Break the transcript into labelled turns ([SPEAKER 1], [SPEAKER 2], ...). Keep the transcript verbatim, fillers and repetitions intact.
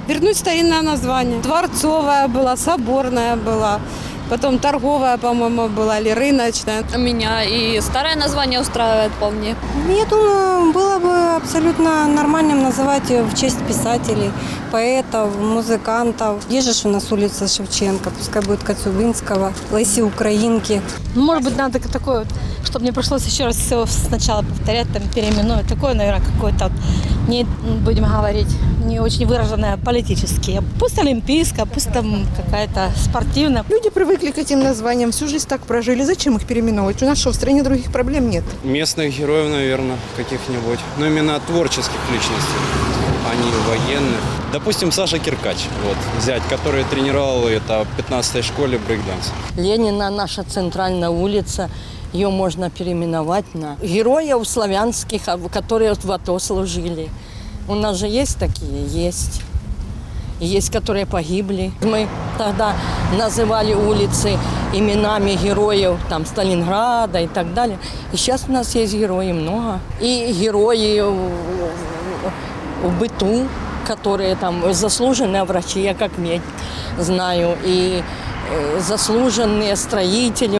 [SPEAKER 1] Вернуть старинное название. Дворцовая была, соборная была. Потом торговая, по-моему, была, или рыночная.
[SPEAKER 2] Меня и старое название устраивает вполне.
[SPEAKER 3] Я думаю, было бы абсолютно нормальным называть ее в честь писателей, поэтов, музыкантов. Есть же у нас улица Шевченко, пускай будет Коцюбинского, Леси Украинки.
[SPEAKER 4] Может быть, надо такое, чтобы не пришлось еще раз все сначала повторять, там, переименовать. Такое, наверное, какое-то, не будем говорить, не очень выраженное политически. Пусть олимпийская, пусть там какая-то спортивная.
[SPEAKER 5] Люди привыкли к этим названиям, всю жизнь так прожили. Зачем их переименовывать? У нас что, в стране других проблем нет?
[SPEAKER 6] Местных героев, наверное, каких-нибудь. Но именно творческих личностей, а не военных. Допустим, Саша Киркач, вот, взять, который тренировал это в пятнадцатой школе брейкданс.
[SPEAKER 7] Ленина, наша центральная улица, ее можно переименовать на героев славянских, которые в АТО служили. У нас же есть такие, есть. Есть, которые погибли. Мы тогда называли улицы именами героев там, Сталинграда и так далее. И сейчас у нас есть герои много. И герои в быту, которые там заслуженные врачи, я как медик знаю, и заслуженные строители.